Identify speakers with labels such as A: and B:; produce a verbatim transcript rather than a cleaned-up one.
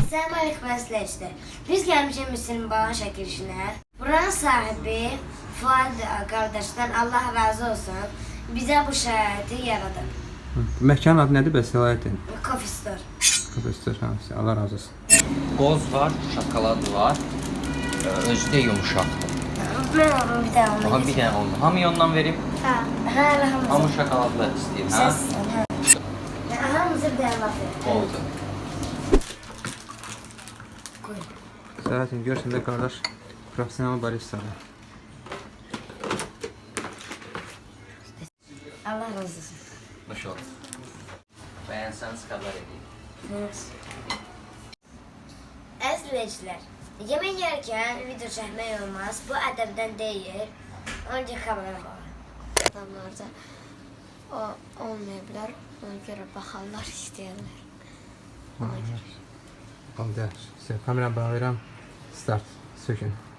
A: Selam aleyküm izləyicilər. Biz gəlmişik Müslüm Balan çəkilişinə. Buranın sahibi Fuad qardaşdan Allah razı olsun bizə bu şəraiti yaradı.
B: Məkanın adı nədir bəs səlahiyyətin?
A: Coffee Store.
B: Coffee Store, hamısı. Allah razı olsun.
C: Qoz var, şokolad var. Özü də yumuşaqdır.
A: Mən onu bir dənə
C: Aha,
A: ondan
C: bir dənə ondan. Hamı ondan vereyim.
A: Ha, hə, hamısı.
C: Hamı şokoladlı istəyir, hə?
A: Səs, hə. Hamısı bir dənə laf verir.
C: Oldu.
B: Səlahiyyətin görsən də qardaş profesional baristadır.
A: Allah razı olsun.
C: Nuş oldu. Bəyənsəniz xəbər edeyim.
A: Əzizləyicilər, yemək yerkən video çəkmək olmaz. Bu ədəbdən deyil. Önce kamera var.
D: Adamlarda o olmaya bilər. Ona görə baxarlar, istəyirlər.
B: Oldu, yaxşı. Kamera bağlayıram. Start. Sökün.